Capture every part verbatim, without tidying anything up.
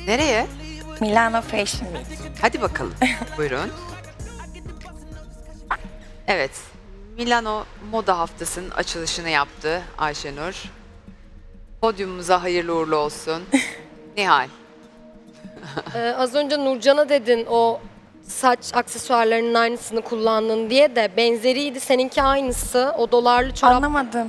Nereye? Milano Fashion Week. Hadi bakalım. Buyurun. Evet. Milano Moda Haftası'nın açılışını yaptı Ayşenur. Podyumumuza hayırlı uğurlu olsun. Nihal. Ee, az önce Nurcan'a dedin o saç aksesuarlarının aynısını kullandın diye de benzeriydi. Seninki aynısı. O dolarlı çorap. Anlamadım.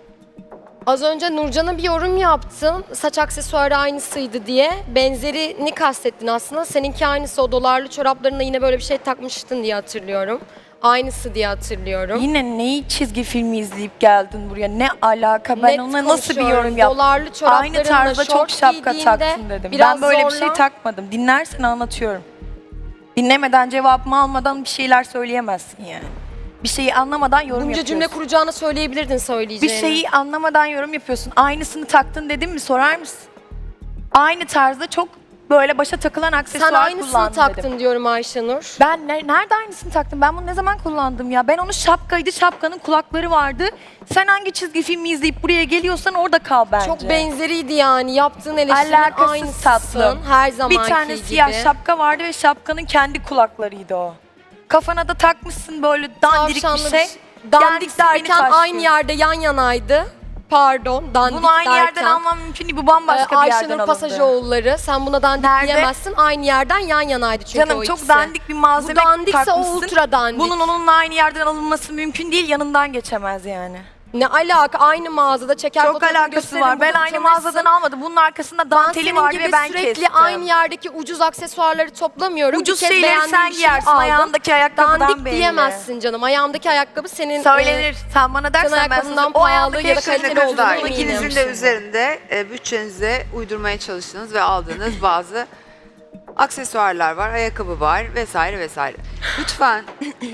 Az önce Nurcan'a bir yorum yaptın. Saç aksesuarı aynısıydı diye. Benzerini kastettin aslında. Seninki aynısı. O dolarlı çoraplarına yine böyle bir şey takmıştın diye hatırlıyorum. Aynısı diye hatırlıyorum. Yine neyi çizgi filmi izleyip geldin buraya? Ne alaka? Ben Net ona nasıl bir konuşuyorum. yorum yaptım? Dolarlı çoraplarınla Aynı tarzda çok şort şapka giydiğinde taktın dedim. biraz Ben böyle zorla- bir şey takmadım. Dinlersen anlatıyorum. Dinlemeden cevabımı almadan bir şeyler söyleyemezsin yani. Bir şeyi anlamadan yorum Bunca yapıyorsun. cümle kuracağını söyleyebilirdin Bir söyleyeceğini. şeyi anlamadan yorum yapıyorsun. Aynısını taktın dedim mi sorar mısın? Aynı tarzda çok böyle başa takılan aksesuar Sen aynısını kullandın taktın dedim. diyorum Ayşenur. Ben ne- nerede aynısını taktım? Ben bunu ne zaman kullandım ya? Ben onun şapkaydı, şapkanın kulakları vardı. Sen hangi çizgi filmi izleyip buraya geliyorsan orada kal bence. Çok benzeriydi yani. Yaptığın eleştirinin Alakasız aynısısın. tatlım. Her zamanki Bir tane gibi. siyah şapka vardı ve şapkanın kendi kulaklarıydı o. Kafana da takmışsın böyle dandirik bir Tavşanlı şey. Dandik Kendisi beni derken taşlıyor. aynı yerde yan yanaydı. Pardon, dandik Bunu aynı derken. yerden almam mümkün değil. Bu bambaşka Ee, bir yerden Ayşenur alındı. Pasajoğulları. Sen buna dandik Nerede? diyemezsin. Aynı yerden yan yanaydı çünkü Canım o çok ikisi. dandik bir malzeme Bu dandikse o takmışsın. ultra dandik. Bunun onunla aynı yerden alınması mümkün değil. Yanından geçemez yani. Ne alaka? Aynı mağazada çeker Çok fotoğrafı alakası gösteririm, var. Ben burada aynı utanırsın. mağazadan almadım. Bunun arkasında Ben danteli senin vardı gibi ve ben sürekli kestim. aynı yerdeki ucuz aksesuarları toplamıyorum. Ucuz Bir kez şeyleri beğendiğim sen bir şey giyersin. aldım. Ayağındaki ayakkabıdan Dandik belli. diyemezsin canım. Ayağımdaki ayakkabı senin... Söylenir. e, Sen bana dersen ben ayakkabından sana o pahalı ayağındaki ya da ayakkabı- kaliteli olduğunu Kızlar, eminim. ikinizin de üzerinde e, bütçenize uydurmaya çalıştığınız ve aldığınız bazı aksesuarlar var, ayakkabı var vesaire vesaire. Lütfen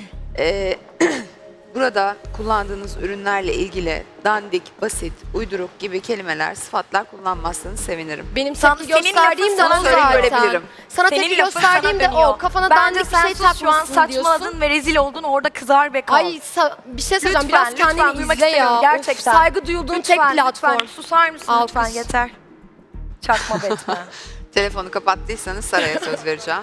e, burada kullandığınız ürünlerle ilgili dandik, basit, uyduruk gibi kelimeler, sıfatlar kullanmazsanız sevinirim. Benim Sana- tepki senin gösterdiğim de lafın o sana zaten. görebilirim. Sana Senin tepki lafın gösterdiğim sana de dönüyor. o. Kafana Bence dandik bir sen şey sus, şu an takmışsın saçmaladın diyorsun. ve rezil oldun. Orada kızar ve kal. Ay sa- bir şey söyleyeceğim. Lütfen, Biraz kendini lütfen, duymak izle ya. istemiyorum, Of, gerçekten. saygı duyulduğun Lütfen, tek platform. Lütfen susar mısın Alkış. lütfen yeter. Çakma Batman. Telefonu kapattıysanız Sara'ya söz vereceğim.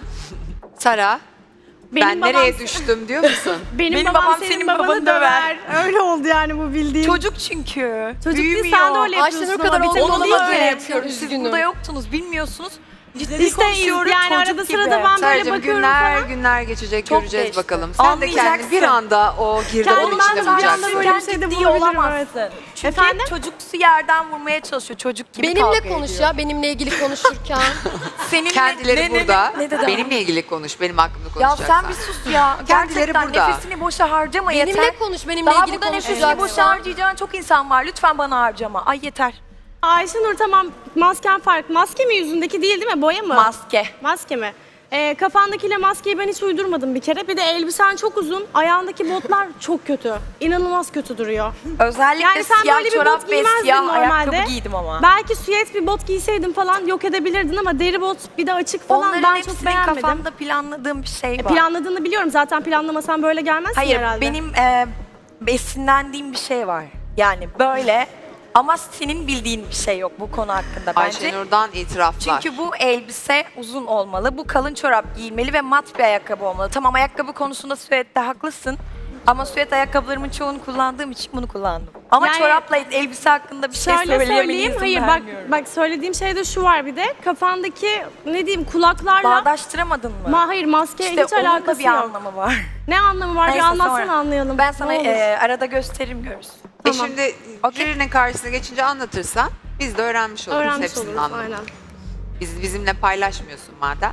Sara, Benim ben babam- nereye düştüm diyor musun? Benim, Benim babam, babam senin, senin babanı, babanı döver. Öyle oldu yani bu bildiğin. Çocuk çünkü. Çocuk değil, Büyümüyor. sen de öyle yapıyorsun. Ayşenur ama kadar bir tek oldu, o ona değil da ki. böyle yapıyorum. Siz Üzgünüm. burada yoktunuz, bilmiyorsunuz. Ciddi Biz de konuşuyorum, yani çocuk arada gibi. sırada ben böyle Saracığım bakıyorum günler falan. günler geçecek, Çok göreceğiz geçti. bakalım. Sen de kendini Anlayacaksın. bir anda o girdabın Kendim içinde ben de bir anda bulacaksın. böyle bir şeyde ciddi bulabilirim, olamazsın. evet. Çünkü Efendim? çocuksu yerden vurmaya çalışıyor, çocuk gibi Benimle kavga konuş ediyor. ya. Benimle ilgili konuşurken. Seninle, Kendileri ne- ne- burada. Ne, ne dedi Benimle ilgili konuş, benim hakkımda Ya konuşacaksan. sen bir sus ya. Kendileri Gerçekten burada. nefesini boşa harcama yeter. benimle konuş. Benimle Daha ilgili burada nefesini konuşacaksın. boşa harcayacağın çok insan var. Lütfen bana harcama. Ay yeter. Ayşenur tamam masken farklı. Maske mi yüzündeki değil değil mi? Boya mı? Maske. Maske mi? Ee, kafandakiyle maskeyi ben hiç uydurmadım bir kere. Bir de elbisen çok uzun. Ayağındaki botlar çok kötü. İnanılmaz kötü duruyor. Özellikle Yani sen siyah böyle bir çorap bot ve giymezdin siyah normalde. ayakkabı giydim ama. Belki süet bir bot giyseydin falan yok edebilirdin ama deri bot bir de açık falan Onların ben hepsinin çok beğenmedim. kafamda planladığım bir şey E, var. planladığını biliyorum. Zaten planlamasan böyle gelmezsin Hayır, herhalde. benim e, esinlendiğim bir şey var. Yani böyle ama senin bildiğin bir şey yok bu konu hakkında bence. Ayşenur'dan itiraflar. Çünkü bu elbise uzun olmalı, bu kalın çorap giyilmeli ve mat bir ayakkabı olmalı. Tamam ayakkabı konusunda süette haklısın. Ama süet ayakkabılarımın çoğunu kullandığım için bunu kullandım. Ama Yani- çorapla elbise hakkında bir şey Şöyle söyleyemem söyleyeyim. izin Hayır bak vermiyorum. bak söylediğim şeyde şu var bir de. Kafandaki ne diyeyim kulaklarla Bağdaştıramadın mı? Ma hayır maskeye işte hiç onun da alakası bir yok. anlamı var. Ne anlamı var? Neyse, bir anlatsana sonra. anlayalım. Ben sana Ne olur. e, arada gösteririm görürsün. E Tamam. şimdi Okey. jürinin karşısına geçince anlatırsan biz de öğrenmiş oluruz Öğrenmiş hepsinin oluruz anlamını. aynen. Biz, bizimle paylaşmıyorsun madem.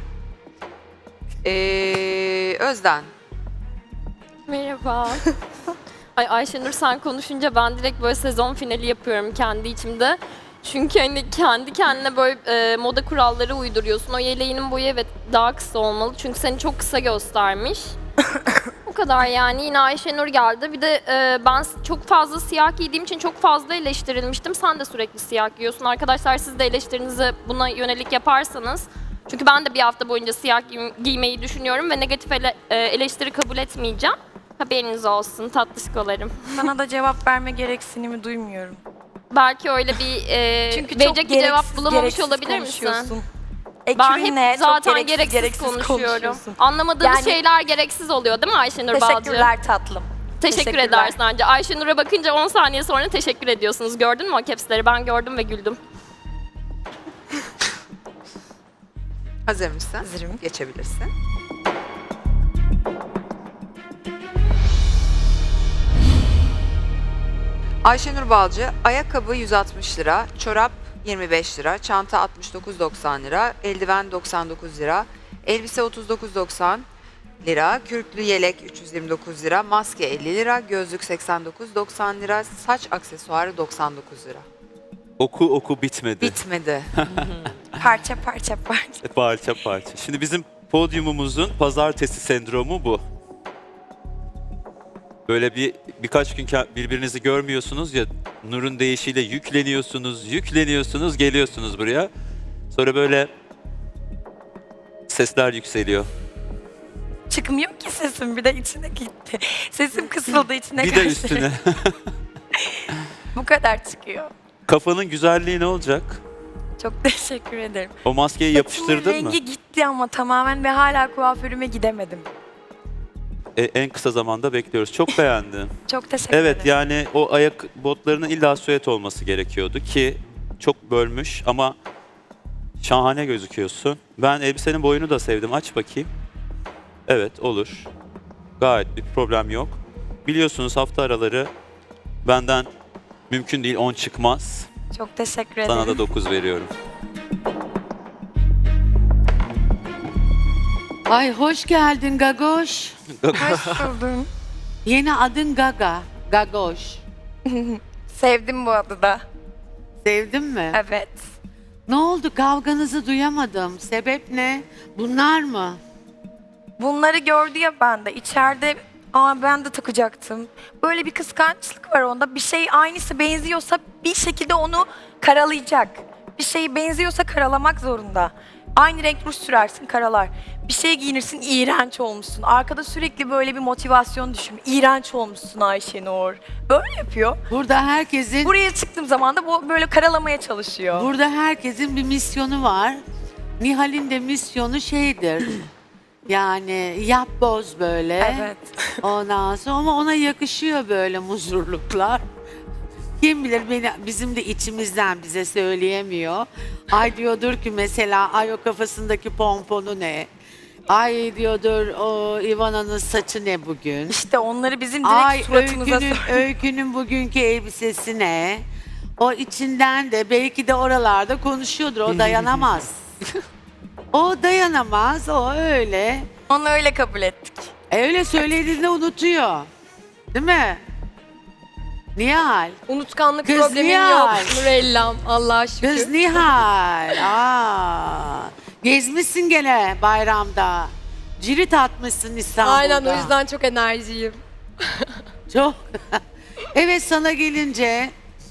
Ee, Özden. Merhaba. Ay Ayşenur sen konuşunca ben direkt böyle sezon finali yapıyorum kendi içimde. Çünkü hani kendi kendine böyle e, moda kuralları uyduruyorsun. O yeleğinin boyu evet daha kısa olmalı. Çünkü seni çok kısa göstermiş. O kadar yani. Yine Ayşenur geldi. Bir de e, ben s- çok fazla siyah giydiğim için çok fazla eleştirilmiştim. Sen de sürekli siyah giyiyorsun. Arkadaşlar siz de eleştirinizi buna yönelik yaparsanız. Çünkü ben de bir hafta boyunca siyah giy- giymeyi düşünüyorum ve negatif ele- e, eleştiri kabul etmeyeceğim. Haberiniz olsun tatlışkolarım. Sana da cevap verme gereksinimi duymuyorum. Belki öyle bir e, Çünkü çok verecek bir cevap gereksiz, bulamamış gereksiz olabilir misin? konuşuyorsun. Ben Ekibinle hep çok zaten gereksiz, gereksiz, gereksiz konuşuyorum. konuşuyorsun. Anlamadığımız Yani- şeyler gereksiz oluyor değil mi Ayşenur Balcı? Teşekkürler tatlım. Teşekkür Teşekkürler. edersin anca. Ayşenur'a bakınca on saniye sonra teşekkür ediyorsunuz. Gördün mü o capsleri? Ben gördüm ve güldüm. Hazır mısın? Hazırım. Geçebilirsin. Ayşenur Balcı, ayakkabı yüz altmış lira, çorap yirmi beş lira, çanta altmış dokuz doksan lira, eldiven doksan dokuz lira, elbise otuz dokuz doksan lira, kürklü yelek üç yüz yirmi dokuz lira, maske elli lira, gözlük seksen dokuz doksan lira, saç aksesuarı doksan dokuz lira. Oku oku bitmedi. Bitmedi. Parça parça parça. Parça parça. Şimdi bizim podyumumuzun pazartesi sendromu bu. Böyle bir birkaç gün ke- birbirinizi görmüyorsunuz ya, Nur'un deyişiyle yükleniyorsunuz, yükleniyorsunuz, geliyorsunuz buraya. Sonra böyle sesler yükseliyor. Çıkmıyor ki sesim, bir de içine gitti. Sesim kısıldı, içine Bir de kaçtı. üstüne. Bu kadar çıkıyor. Kafanın güzelliği ne olacak? Çok teşekkür ederim. O maskeyi Saçımın yapıştırdın mı? rengi gitti ama tamamen ve hala kuaförüme gidemedim. E, en kısa zamanda bekliyoruz. Çok beğendim. Çok teşekkür Evet ederim. yani o ayak botlarının illa süet olması gerekiyordu ki çok bölmüş ama şahane gözüküyorsun. Ben elbisenin boyunu da sevdim. Aç bakayım. Evet olur. Gayet bir problem yok. Biliyorsunuz hafta araları benden mümkün değil on çıkmaz. Çok teşekkür ederim. Sana da dokuz veriyorum. Ay hoş geldin Gagoş. Hoş buldum. Yeni adın Gaga. Gagoş. Sevdim bu adı da. Sevdin mi? Evet. Ne oldu? Kavganızı duyamadım. Sebep ne? Bunlar mı? Bunları gördü ya bende. İçeride aa ben de takacaktım. Böyle bir kıskançlık var onda. Bir şey aynısı benziyorsa bir şekilde onu karalayacak. Bir şey benziyorsa karalamak zorunda. Aynı renk ruj sürersin karalar. Bir şey giyinirsin iğrenç olmuşsun. Arkada sürekli böyle bir motivasyon düşün. İğrenç olmuşsun Ayşenur. Böyle yapıyor. Burada herkesin Buraya çıktığım zaman da bu böyle karalamaya çalışıyor. burada herkesin bir misyonu var. Nihal'in de misyonu şeydir. Yani yap boz böyle. Evet. Ondan sonra ama ona yakışıyor böyle muzurluklar. Kim bilir beni bizim de içimizden bize söyleyemiyor. Ay diyordur ki mesela ay o kafasındaki pomponu ne? Ay diyordur o Ivana'nın saçı ne bugün? İşte onları bizim direkt Ay suratımıza öykünün, öykünün bugünkü elbisesi ne? O içinden de belki de oralarda konuşuyordur. O dayanamaz. O dayanamaz. O öyle. Onu öyle kabul ettik. E, öyle söylediğinde unutuyor. Değil mi? Nihal. Unutkanlık Kız problemim Nihal. yok Nurellam Allah'a şükür. Kız Nihal. Aa, gezmişsin gene bayramda. Cirit atmışsın İstanbul'da. Aynen o yüzden çok enerjiyim. Çok. Evet sana gelince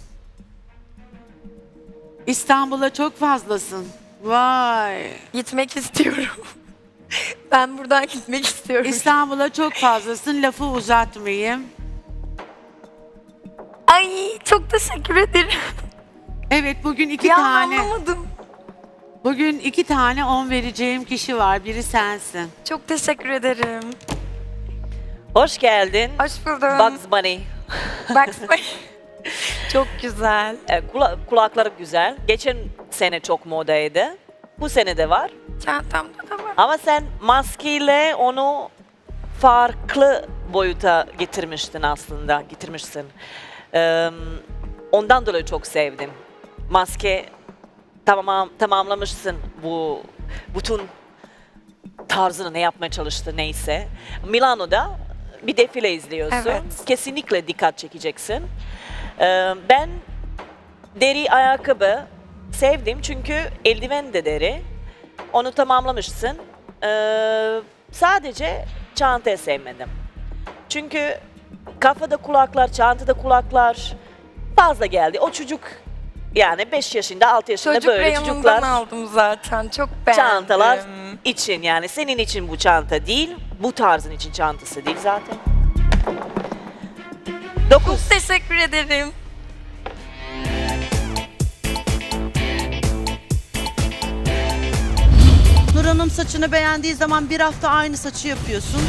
İstanbul'a çok fazlasın. Vay. Gitmek istiyorum. Ben buradan gitmek istiyorum. İstanbul'a çok fazlasın. Lafı uzatmayayım. Ay çok teşekkür ederim. Evet bugün iki Ya tane anlamadım. bugün iki tane on vereceğim kişi var. Biri sensin. Çok teşekkür ederim. Hoş geldin. Hoş buldum. Bugs Bunny. Bugs Bunny. Çok güzel. Ee, kula- kulakları güzel. Geçen sene çok modaydı. Bu sene de var. Çantamda da var. Ama sen maskeyle onu farklı boyuta getirmiştin aslında. Getirmişsin. Ee, ondan dolayı çok sevdim. Maske tamam tamamlamışsın bu bütün tarzını ne yapmaya çalıştı neyse. Milano'da bir defile izliyorsun. Evet. Kesinlikle dikkat çekeceksin. Ee, ben deri ayakkabı sevdim çünkü eldiven de deri. Onu tamamlamışsın. Ee, sadece çantayı sevmedim. Çünkü kafada kulaklar, çantada kulaklar fazla geldi. O çocuk yani beş yaşında, altı yaşında Çocuk böyle reyonundan çocuklar aldım zaten. Çok beğendim. çantalar için yani senin için bu çanta değil, bu tarzın için çantası değil zaten. Dokuz. Çok teşekkür ederim. Hanım saçını beğendiği zaman bir hafta aynı saçı yapıyorsun.